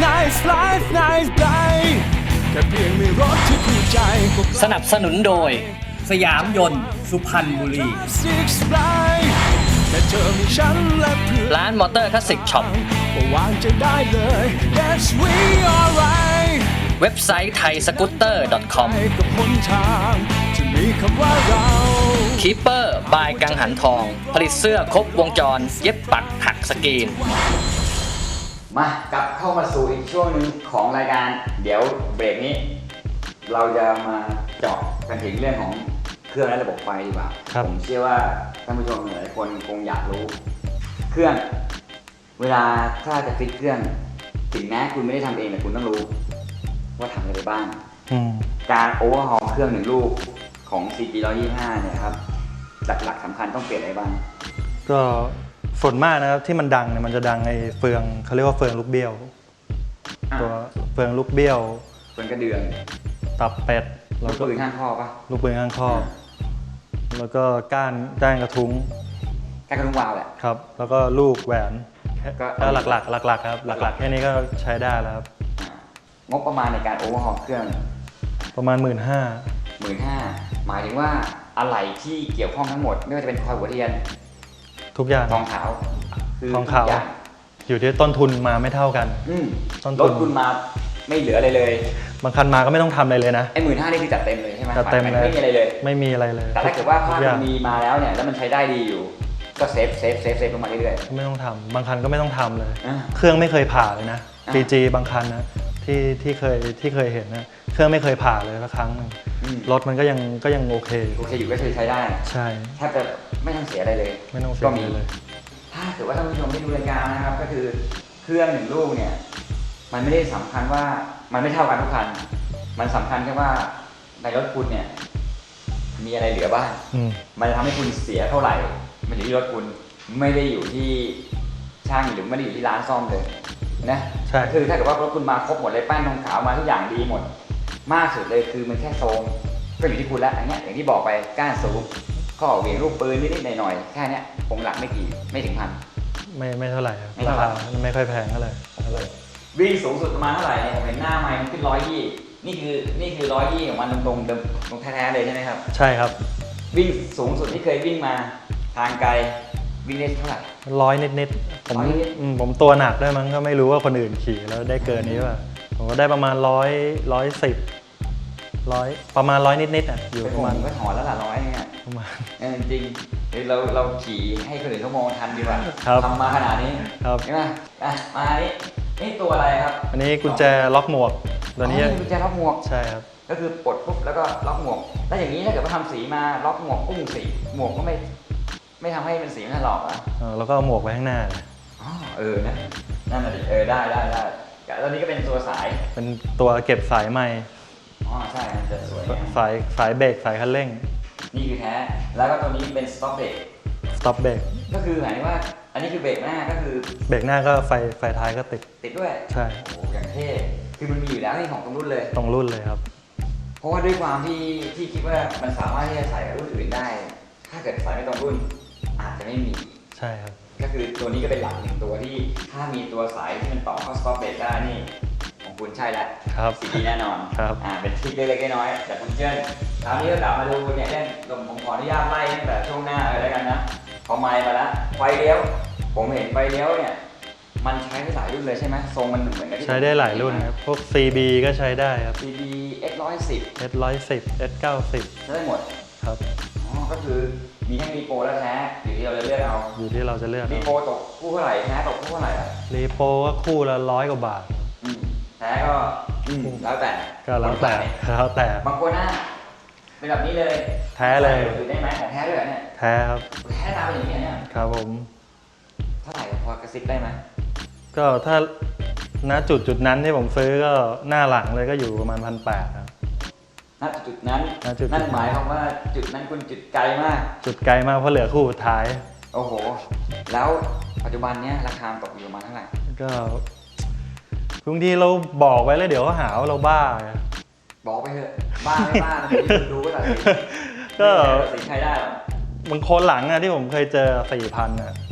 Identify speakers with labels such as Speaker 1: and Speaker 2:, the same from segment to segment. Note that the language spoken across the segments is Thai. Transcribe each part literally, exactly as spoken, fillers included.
Speaker 1: nice life nice day แค่เพียงมีรถที่คู่ใจ
Speaker 2: สนับสนุนโดยสยามยนต์สุพรรณบุรี
Speaker 1: Six Flight แค่เธอมีฉันและเพื่อน
Speaker 2: ร้านมอเตอร์คลาสสิกช็อป
Speaker 1: ก็วางใจได้เลย Yes we alright
Speaker 2: เว็บไซต์ไทยสกูตเตอร์ .com
Speaker 1: ไปกับหนทางที่มีคำว่าเรา
Speaker 2: คีเปอร์บายกังหันทอง ผลิตเสื้อครบวงจรเย็บปักถักสกรีน
Speaker 3: มากลับเข้ามาสู่อีกช่วงหนึงของรายการเดี๋ยวเบรกนี้ เราจะมาเจาะกันถึงเรื่องของเครื่องและระบบไฟดีกว่าผมเชื่อว่าท่านผู้ชมหลายคนคงอยากรู้เครื่องเวลาถ้าจะฟิตเครื่องถึงแม้คุณไม่ได้ทำเองแต่คุณต้องรู้ว่าทำอะไรไปบ้างการโอเวอร์ฮอลเครื่องหนึ่งลูกของ ซี จี หนึ่งร้อยยี่สิบห้าเนี่ยครับหลักๆสำคัญต้องเปลี่ยนอะไรบ้าง
Speaker 4: ก็ส่วนมากนะครับที่มันดังเนี่ยมันจะดังไอ้เฟืองเขาเรียกว่าเฟืองลูกเบี้ยวตัวเฟืองลูกเบี้ยว
Speaker 3: เฟืองกระเดื่อง
Speaker 4: ตับเป็ด
Speaker 3: ลูกปืนข้างข้อปะ
Speaker 4: ลูกปืนข้างข้อแล้วก็ก้านก้านกระทุ้ง
Speaker 3: ก้านกระทุ้งวาวแหละ
Speaker 4: ครับแล้วก็ลูกแหวนก็หลักๆหลักๆครับหลักๆแค่นี้ก็ใช้ได้แล้วครับ
Speaker 3: งบประมาณในการโอเวอร์ฮอลเครื่อง
Speaker 4: ประมาณหมื่นห้า
Speaker 3: หมื่นห้าหมายถึงว่าอะไรที่เกี่ยวข้องทั้งหมดไม่ว่าจะเป็นคอยหัวเทียน
Speaker 4: ทุกอย่าง
Speaker 3: ทองขาว
Speaker 4: ทองขาวอยู่ที่ต้นทุนมาไม่เท่ากัน
Speaker 3: ต้นทุนคุณมาไม่เหลืออะไรเลย
Speaker 4: บางคันมาก็ไม่ต้องทำอะไรเลยนะ
Speaker 3: ไอ้หมื่นห้านี่คือจัดเต็มเลยใช่ไหม
Speaker 4: จัดเต็มเลย
Speaker 3: ไม่มีอะไรเลย
Speaker 4: ไม่มีอะไรเลย
Speaker 3: แต่ถ้าเกิดว่าภาพมันมีมาแล้วเนี่ยแล้วมันใช้ได้ดีอยู่ก็เซฟเซฟเซฟเซฟลงมาเรื่อย
Speaker 4: ๆไม่ต้องทำบางคันก็ไม่ต้องทำเลยเครื่องไม่เคยผ่าเลยนะ ซี จี บางคันนะที่ที่เคยที่เคยเห็นนะเครื่องไม่เคยผ่าเลยสักครั้งนึงรถมันก็ยังก็ยังโอเค
Speaker 3: โอเคอยู่ก็คือใช้ได้
Speaker 4: ใช่
Speaker 3: แทบจะไม่ต้องเสียอะไรเลย
Speaker 4: ไม่ต้องเสียอะไรเลย
Speaker 3: ถ้าเกิดว่าท่านผู้ชมได้ดูรายการนะครับก็คือเครื่องหนึ่งลูกเนี่ยมันไม่ได้สำคัญว่ามันไม่เท่ากันทุกคันมันสำคัญแค่ว่าในรถคุณเนี่ยมีอะไรเหลือบ้างมันจะทำให้คุณเสียเท่าไหร่มันอยู่ที่รถคุณไม่ได้อยู่ที่ช่างหรือไม่ได้อยู่ที่ร้านซ่อมเลยนะ
Speaker 4: ใช่
Speaker 3: คือถ้าเกิดว่ารถคุณมาครบหมดเลยแป้นทองขาวมาทุกอย่างดีหมดมากสุดเลยคือมันแค่โซมก็อยู่ที่คุณแล้วอย่างเงี้ยอย่างที่บอกไปก้านสูงข้อเหวี่ยงลูกปืนนิดๆหน่อยๆแค่นี้คงหลักไม่กี่ไม่ถึงพัน
Speaker 4: ไม่ไม่เท่าไหร่ราคาไม่ค่อยแพงเท่าไหร่
Speaker 3: วิ่งสูงสุดประมาณเท่าไหร่เนี่ยผมเห็นหน้าไมค์มันขึ้นร้อยยี่นี่คือนี่คือร้อยยี่ของมันตรงตรงตรงแท้ๆเลยใช่ไหมครับ
Speaker 4: ใช่ครับ
Speaker 3: วิ่งสูงสุดที่เคยวิ่งมาทางไกลวิ่งได้เท่าไหร่
Speaker 4: ร้อยนิดๆผมผมตัวหนักด้วยมั้งก็ไม่รู้ว่าคนอื่นขี่แล้วได้เกินนี้ป่ะผมก็ได้ประมาณร้อยร้อยสิบร้อยประมาณร้อยนิดๆอ่ะอยู่
Speaker 3: ประมาณก็ถอนแล้วล่ะร้อยเนี่ย
Speaker 4: ประมาณ
Speaker 3: จริงๆเราเราขี่ให้คนอื่นเขามองทันดีกว่าทำมาขนาดนี้ใช่ไหมอ่ะมานี่นี่ตัวอะไรครับ
Speaker 4: อันนี้กุญแจล็อกหมวกตัวนี้
Speaker 3: กุญแจล็อกหมวก
Speaker 4: ใช่ครับ
Speaker 3: ก็คือปลดปุ๊บแล้วก็ล็อกหมวกแล้วอย่างนี้ถ้าเกิดว่าทำสีมาล็อกหมวกปุ้งสีหมวกก็ไม่ไม่ทำให้เป็นสีมันหลอกอ่ะ
Speaker 4: แล้วก็หมวกไว้ข้างหน้า
Speaker 3: อ๋อเออนะนั่นแหละดิเออได้ได้ได้แล้วนี้ก็เป็นตัวสาย
Speaker 4: เป็นตัวเก็บสายไม้
Speaker 3: อ๋อใช่จะสวย
Speaker 4: สายสายเบรกสายคันเร่ง
Speaker 3: นี่คือแท้แล้วก็ตัวนี้เป็นสต็อปเบรก
Speaker 4: สต็อปเบรก
Speaker 3: ก็คือหมายถึงว่าอันนี้คือเบรกหน้าก็คือ
Speaker 4: เบรกหน้าก็ไฟไฟท้ายก็ติด
Speaker 3: ติดด้วย
Speaker 4: ใช่
Speaker 3: โอ้อย่างเท่คือมันมีอยู่แล้วนี่ของตรงรุ่นเลย
Speaker 4: ตรงรุ่นเลยครับ
Speaker 3: เพราะว่าด้วยความที่ที่คิดว่ามันสามารถที่จะใส่กับรุ่นอื่นได้ถ้าเกิดใส่ไม่ตรงรุ่นอาจจะไม่มี
Speaker 4: ใช่ครับ
Speaker 3: ก็คือตัวนี้ก็เป็นหลักหนึ่งตัวที่ถ้ามีตัวสายที่มันต่อเข้าสต็อปเบรกได้นี่ของคุณใช่แล้ว
Speaker 4: ครับ
Speaker 3: สีดีแน่นอน
Speaker 4: ครับ
Speaker 3: อ่าเป็นทริคเล็กๆน้อยๆแต่คุณเจิ้นคราวนี้ก็กลับมาดูเนี่ยเล่นผมขออนุญาตไล่ตั้งแต่ช่วงหน้าเลยแล้วกันนะพอไมค์มาแล้วไฟเลี้ยวผมเห็นไฟเลี้ยวเนี่ยมันใช้ได้หลายรุ่นเลยใช่ไหมทรงมันเหมือนกัน
Speaker 4: ใช้ได้หลายรุ่นครับพวก ซี บี ก็ใช้ได้ครับ
Speaker 3: ซี บี เอ็กซ์ หนึ่งร้อยสิบ
Speaker 4: เอส หนึ่งร้อยสิบ เอส เก้าสิบ
Speaker 3: ใช้ได้หมด
Speaker 4: ครับ
Speaker 3: อ๋อก็คือมีทั้งรีโปรและแท้อยู่ที่เราจะเลือกเอา
Speaker 4: อยู่ที่เราจะเลือก
Speaker 3: รีโปรตกคู่เท่าไหร่แท้ตกคู่เท่าไหร่อ่ะ
Speaker 4: รีโปรก็คู่ละร้อยกว่าบาท
Speaker 3: แท้ก็แล้วแต่
Speaker 4: ก็แล้วแต่แล้วแต่
Speaker 3: บางคนนะเป็นแบบนี้เลย
Speaker 4: แท้เลย
Speaker 3: ถือได้ไหมของแท้ด้วยเนี่ย
Speaker 4: แท้ครับ
Speaker 3: แท้ตามเป็นอย่างนี้เนี่ย
Speaker 4: ครับผม
Speaker 3: เท่าไหร่พอกระซิบได้ไหม
Speaker 4: ก็ถ้าณจุดจุดนั้นที่ผมซื้อก็หน้าหลังเลยก็อยู่ประมาณพันแปดครับ
Speaker 3: ณจุดนั้นนั่นหมายความว่าจุดนั้นคุณจุดไกลมาก
Speaker 4: จุดไกลมากเพราะเหลือคู่สุดท้าย
Speaker 3: โอ้โหแล้วปัจจุบันเนี้ยราคาตกอยู่ประมาณเท่าไหร่
Speaker 4: ก็บางทีเราบอกไว้แล้วเดี๋ยวเขาหาว่าเราบ้า
Speaker 3: บอกไปเถอะบ้าไม่บ้าคุณดูก็ตัดสินก็ตัดสินใครได้หรอบ
Speaker 4: างคนหลังอะที่ผมเคยเจอสี่พันอะ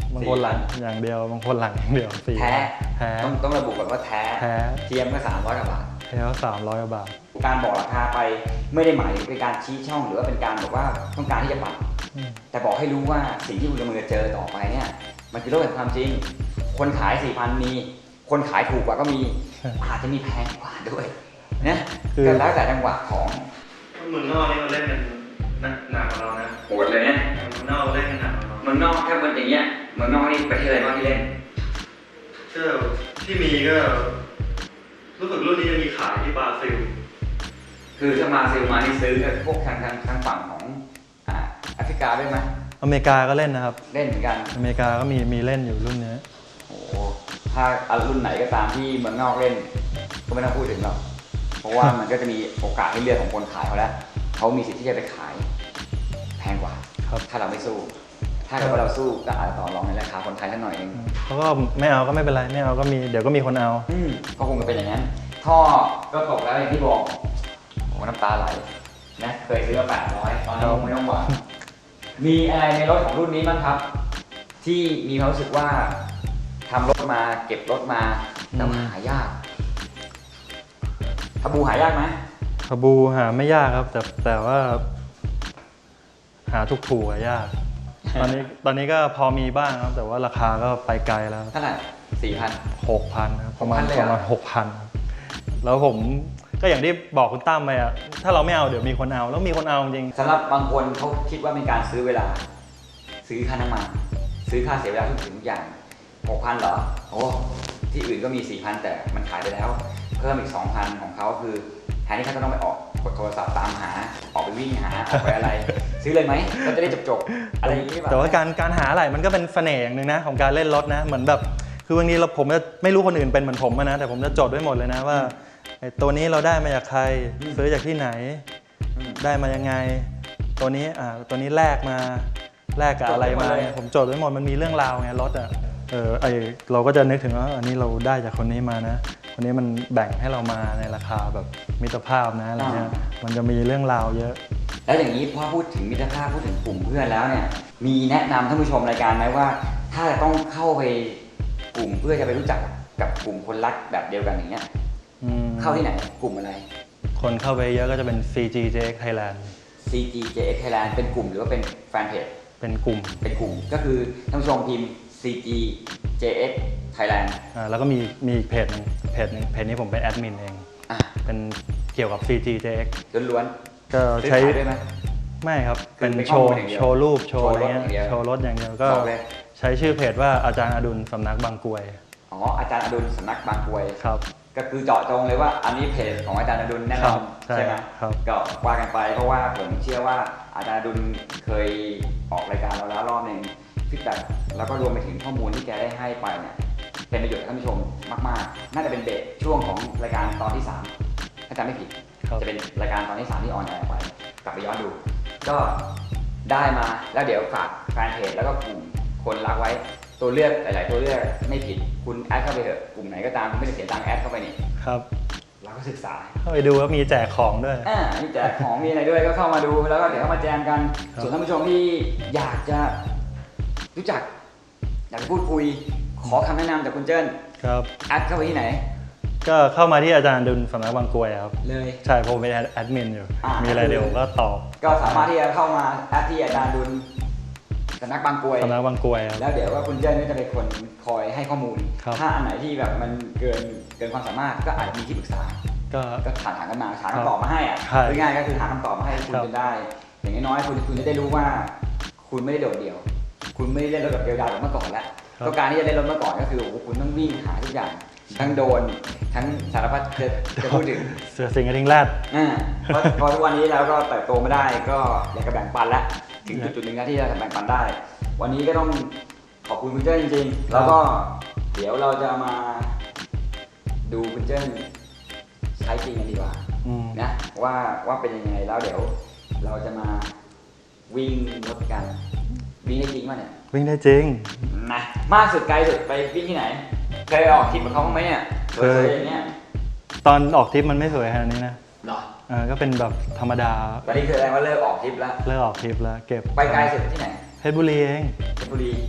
Speaker 4: บางคนหลังอย่างเดียวบางคนหลังอย่างเดียวสี่
Speaker 3: แท้
Speaker 4: แท้
Speaker 3: ต้องต้องระบุก่อนว่าแท้
Speaker 4: แท้
Speaker 3: เทียมก็สามร้อยกว่าบาท
Speaker 4: แท้สามร้อยกว่าบาท
Speaker 3: การบอกราคาไปไม่ได้หมายถึงเป็นการชี้ช่องหรือว่าเป็นการบอกว่าต้องการที่จะปัด
Speaker 4: อืม
Speaker 3: แต่บอกให้รู้ว่าสิ่งที่คุณกำลังจะเจอต่อไปเนี่ยมันคือโลกแห่งความจริง คนขาย สี่พัน มีคนขายถูกกว่าก็มีอาจจะมีแพงกว่าด้วยนะก็แล้วแต่จังหวะของ
Speaker 4: เมืองนอกนี่มันเล่นกันหนักกว่าเรานะ
Speaker 3: โหดเลยเนี่ย
Speaker 4: เมืองนอกเล่นกันหนักกว่าเรา
Speaker 3: เมืองนอกถ้าเป็นอย่างเงี้ยเมืองนอกนี่ประเทศอะไรบ้างที่เล่น
Speaker 4: ก็ที่มีก็รู้สึกรุ่นนี้จะมีขายที่บราซิล
Speaker 3: คือถ้ามาซิลมานี่ซื้อกับพวกทางทางทางฝั่งของอ่าแอฟริกาด้วยไหม
Speaker 4: อเมริกาก็เล่นนะครับ
Speaker 3: เล่นเหมือนกัน
Speaker 4: อเมริกาก็มีมีเล่นอยู่รุ่นนี้
Speaker 3: โอ้โหถ้าเอารุ่นไหนก็ตามที่เมืองนอกเล่น ก็ไม่ต้องพูดถึงหรอกเพราะว่ามันก็จะมีโอกาสให้เลือกของคนขายเขาแล้วเขามีสิทธิ์ที่จะไปขายแพงกว่า
Speaker 4: ครับ
Speaker 3: ถ้าเราไม่สู้ ถ้าเกิดว่าเราสู้ก็อาจจะต่อรองในราคาคนไทยสักหน่อยเอง
Speaker 4: เขาก็ไม่เอาก็ไม่เป็นไรไม่เอาก็มีเดี๋ยวก็มีคนเอา
Speaker 3: อืมก็คงจะเป็นอย่างนั้น ท่อก็ตกแล้วอย่างที่บอกโอ้น้ำตาไหลนะเคยซื้อมาแปดร้อยตอนนี้ไม่ต้องหวังมีอะไรในรถของรุ่นนี้บ้างครับ ที่มีความรู้สึกว่าทำรถมาเก็บรถมาแต่ว่าหายากทบูหายากไหม
Speaker 4: คาบูหาไม่ยากครับ แต่แต่ว่า หาถูกๆอะยาก ตอนนี้ตอนนี้ก็พอมีบ้างครับ แต่ว่าราคาก็ไปไกลแล้ว
Speaker 3: เท่าไหร่สี่พัน
Speaker 4: หกพันครับประมาณ
Speaker 3: หกพันเลย
Speaker 4: ป
Speaker 3: เหรอ
Speaker 4: ระมาณหกพันแล้วผมก็อย่างที่บอกคุณตั้มไปอะถ้าเราไม่เอาเดี๋ยวมีคนเอาแล้วมีคนเอาจริง
Speaker 3: สำหรับบางคนเขาคิดว่าเป็นการซื้อเวลา ซื้อค่าน้ำมันซื้อค่าเสียเวลาทุกสิ่งทุกอย่างหกพันเหรอโอ้ที่อื่นก็มีสี่พันแต่มันขายไปแล้ว เพิ่มอีกสองพันของเขาคือแทนที่เขาจะต้องไปออกกดโทรศัพท์ตามหาออกไปวิ่งหาออกไปอะไร ซื้อเลยไหมก็จะได้จบๆอะไรอย่างนี้หรือเปล่า
Speaker 4: แต่ว่าการการหาอะไรมันก็เป็นเสน่ห์อย่างหนึ่งนะของการเล่นรถนะเหมือนแบบคือบางทีเราผมจะไม่รู้คนอื่นเป็นเหมือนผมอะนะแต่ผมจะจดไว้หมดเลยนะว่าไอ้ตัวนี้เราได้มาจากใครซื้อจากที่ไหน
Speaker 3: อืม
Speaker 4: ได้มายังไง ตัวนี้อ่าตัวนี้แลกมาแลกกับอะไรมา
Speaker 3: จดไว้หมดเลย
Speaker 4: ผมจดไว้หมดมันมีเรื่องราวไงรถอ่ะเออไอเราก็จะนึกถึงว่าอันนี้เราได้จากคนนี้มานะคนนี้มันแบ่งให้เรามาในราคาแบบมิตรภาพนะอะไรเงี้ยมันจะมีเรื่องราวเยอะ
Speaker 3: แล้วอย่างนี้พอพูดถึงมิตรภาพพูดถึงกลุ่มเพื่อนแล้วเนี่ยมีแนะนำท่านผู้ชมรายการไหมว่า ถ้าจะต้องเข้าไปกลุ่มเพื่อจะไปรู้จักกับกลุ่มคนรักแบบเดียวกันอย่างเงี้ย
Speaker 4: อืม
Speaker 3: เข้าที่ไหนกลุ่มอะไร
Speaker 4: คนเข้าไปเยอะก็จะเป็น ซี จี เจ เอ็กซ์ Thailand
Speaker 3: ซี จี เจ เอ็กซ์ Thailand เป็นกลุ่มหรือว่าเป็นแฟนเพจ
Speaker 4: เป็นกลุ่ม
Speaker 3: เป็นกลุ่มก็คือท่านผู้ชมพิมพ์ ซี จี เจ เอ็กซ์ Thailand
Speaker 4: อ่าแล้วก็มีมีอีกเพจหนึงเพจหนึงเพจนี้ผมเป็นแอดมินเอง
Speaker 3: อ่ะ
Speaker 4: เป็นเกี่ยวกับ ซี จี เจ เอ็กซ์
Speaker 3: ล้วน
Speaker 4: ก็
Speaker 3: ๆซื้อ
Speaker 4: ใช้
Speaker 3: ขายด้วยไหม
Speaker 4: ไม่ครับ
Speaker 3: คือ
Speaker 4: เป็น
Speaker 3: เป็น
Speaker 4: โชว์
Speaker 3: ข้อมูลอย่างเดียว
Speaker 4: โชว์รูปโชว์อะไร
Speaker 3: โชว์รถอย่างเดียว
Speaker 4: เงี้ยโชว์รถอย่างเดียวก็
Speaker 3: บอกเลย
Speaker 4: ใช้ชื่อเพจว่าอาจารย์อดุลสำนักบางกรวย
Speaker 3: อ๋ออาจารย์อดุลสำนักบางกรวย
Speaker 4: ครับ
Speaker 3: ก็คือเจาะจงเลยว่าอันนี้เพจของอาจารย์อดุลแน่นอน
Speaker 4: ครับใช่
Speaker 3: ใช่ไหม
Speaker 4: ครับ
Speaker 3: ก็ว่ากันไปเพราะว่าผมเชื่อว่าอาจารย์อดุลเคยออกรายการเราแล้วรอบหนึ่งฟีดแบ็กแล้วก็รวมไปถึงข้อมูลที่แกได้ให้ไปเนี่ยเป็นประโยชน์กับท่านผู้ชมมากๆ น่าจะเป็นเบสช่วงของรายการตอนที่สามถ้าจำไม่ผิด
Speaker 4: ครับ
Speaker 3: จะเป็นรายการตอนที่สามที่ออนแอร์ไปกลับไปย้อนดู ก็ได้มาแล้วเดี๋ยวฝากแฟนเพจแล้วก็กลุ่มคนรักไว้ตัวเลือกหลาย ๆ ตัวเลือกไม่ผิดคุณแอดเข้าไปเถอะกลุ่มไหนก็ตามคุณไม่ได้เสียตังค์แอดเข้าไปนี่
Speaker 4: ครับ
Speaker 3: เราก็ศึกษา
Speaker 4: เข้าไปดูว่ามีแจกของด้วย
Speaker 3: อ่ามีแจกของมีอะไรด้วยก็เข้ามาดูแล้วก็เดี๋ยวเข้ามาแจมกัน
Speaker 4: ครับ
Speaker 3: ส่วนท่านผู้ชมที่อยากจะรู้จัก อยากจะพูดคุย ขอคำแนะนำจากคุณเจิ้น
Speaker 4: ครับ
Speaker 3: แอดเข้าไปที่ไหน
Speaker 4: ก็เข้ามาที่อาจารย์อดุลสำนักบางกรวยครับ
Speaker 3: เลย
Speaker 4: ใช่ผมเป็นแอดมินอยู่
Speaker 3: อ่ามี
Speaker 4: มีอะไรเดี๋ยวผมก็ตอบ
Speaker 3: ก็สามารถที่จะเข้ามาแอดที่อาจารย์ดุลสำนักบางกรวย
Speaker 4: สำนักบางกรวยครับ
Speaker 3: แล้วเดี๋ยวว่าคุณเจิ้นก็จะเป็นคนคอยให้ข้อมูล
Speaker 4: ครับ
Speaker 3: ถ้าอันไหนที่แบบมันเกินเกินความสามารถก็อาจมีที่ปรึกษา
Speaker 4: ก็
Speaker 3: ก็ถามถามกันมาหาคำตอบมาให้อะ
Speaker 4: ใช่
Speaker 3: ง่ายๆก็คือหาคำตอบมาให้คุณ
Speaker 4: ครับ
Speaker 3: จนได้ อย่างน้อยๆคุณคุณจะได้รู้ว่า คุณไม่ได้โดดเดี่ยว คุณไม่ได้เล่นรถแบบเดียวดายแบบเมื่อก่อนแล้วก็การที่จะเล่นรถเมื่อก่อนก็คือโอ้โหคุณต้องวิ่งหาทุกอย่าง ทั้งโดน ทั้งสารพัดจะจะพูดถึง
Speaker 4: เสือสิงห์กระทิงแรด
Speaker 3: อ่าเพราะเพราะทุกวันนี้เราก็เติบโตไม่ได้ ก็อยากจะแบ่งปันแล้วถึงจุดจุดๆหนึ่งนะที่จะแบ่งปันได้ วันนี้ก็ต้องขอบคุณคุณเจิ้นจริงๆ แล้วก็เดี๋ยวเราจะมาดูคุณเจิ้นใช้จริงกันดีกว่า
Speaker 4: อืม
Speaker 3: นะว่าว่าเป็นยังไงแล้วเดี๋ยวเราจะมาวิ่งรถกันวิ่งได้จริงป่ะเนี่ย
Speaker 4: วิ่งได้จริง
Speaker 3: นะมากสุดไกลสุดไปวิ่งที่ไหนเคยออกทริปกับเขาบ้างไหมเนี่ย
Speaker 4: เคย
Speaker 3: ๆอย่างเงี้ย
Speaker 4: ตอนออกทริปมันไม่สวยขนาดนี้นะ
Speaker 3: หรอ
Speaker 4: เออก็เป็นแบบธรรมดา
Speaker 3: ตอนนี้คือแสดงว่าเลิกออกทริปแล้ว
Speaker 4: เลิกออกทริปแล้วเก็บ
Speaker 3: ไปไกลสุดที่ไหน
Speaker 4: เพชรบุรีเอง
Speaker 3: เพชรบุรี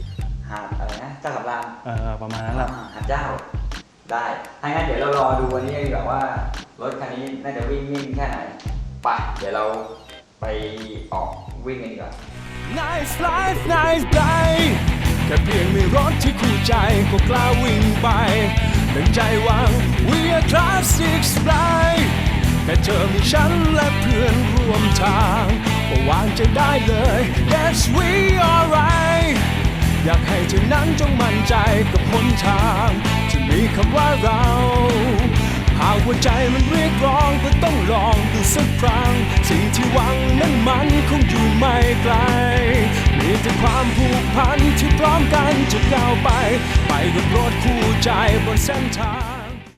Speaker 3: หาดอะไรนะเจ้าสำราญ
Speaker 4: เออประมาณนั้นแหละ
Speaker 3: อ่าหาดเจ้าได้ถ้างั้นเดี๋ยวเรารอดูวันนี้ดีกว่าว่ารถคันนี้น่าจะวิ่งนิ่งแค่ไหนไปเดี๋ยวเราไปออกวิ่งกันดีกว่า
Speaker 1: Nice life nice day แค่เพียงมีรถที่คู่ใจก็กล้าวิ่งไปดังใจหวัง We are classic fly แค่เธอมีฉันและเพื่อนร่วมทางก็วางใจได้เลย Yes we alright อยากให้เธอนั้นจงมั่นใจกับหนทางที่มีคำว่าเราหากหัวใจมันเรียกร้องก็ต้องลองดูสักครั้งสิ่งที่หวังนั้นมันคงอยู่ไม่ไกลมีแต่ความผูกพันที่พร้อมกันจะก้าวไปไปกับรถคู่ใจบนเส้นทาง